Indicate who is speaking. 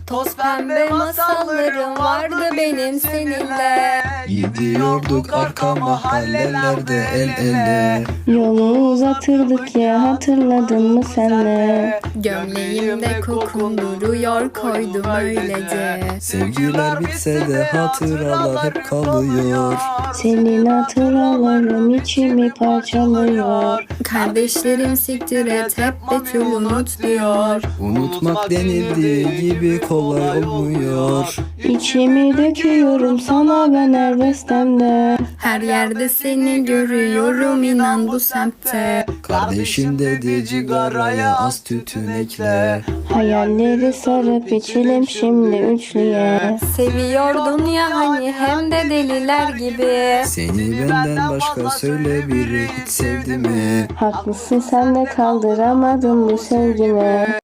Speaker 1: Toz pembe masallarım vardı benim seninle.
Speaker 2: Gidiyorduk arka mahallelerde el ele.
Speaker 3: Yolu uzatırdık ya, hatırladın mı senle?
Speaker 1: Gömleğimde kokun duruyor, koydum öylece.
Speaker 2: Sevgiler bitse de hatıralar hep kalıyor.
Speaker 3: Senin hatıralarım içimi parçalıyor.
Speaker 1: Kardeşlerim siktir et, hep Betül unut diyor.
Speaker 2: Unutmak denildiği gibi kolay olmuyor.
Speaker 3: İçimi döküyorum sana ben her bestemde.
Speaker 1: Her yerde seni görüyorum, inan bu semtte.
Speaker 2: Kardeşim dedi cigaraya az tütün ekle.
Speaker 3: Hayalleri sarıp içelim şimdi üçlüye.
Speaker 1: Seviyordun ya hani, hem de deliler gibi.
Speaker 2: Seni benden başka söyle biri hiç sevdi mi?
Speaker 3: Haklısın sen de, kaldıramadım bu sevgimi.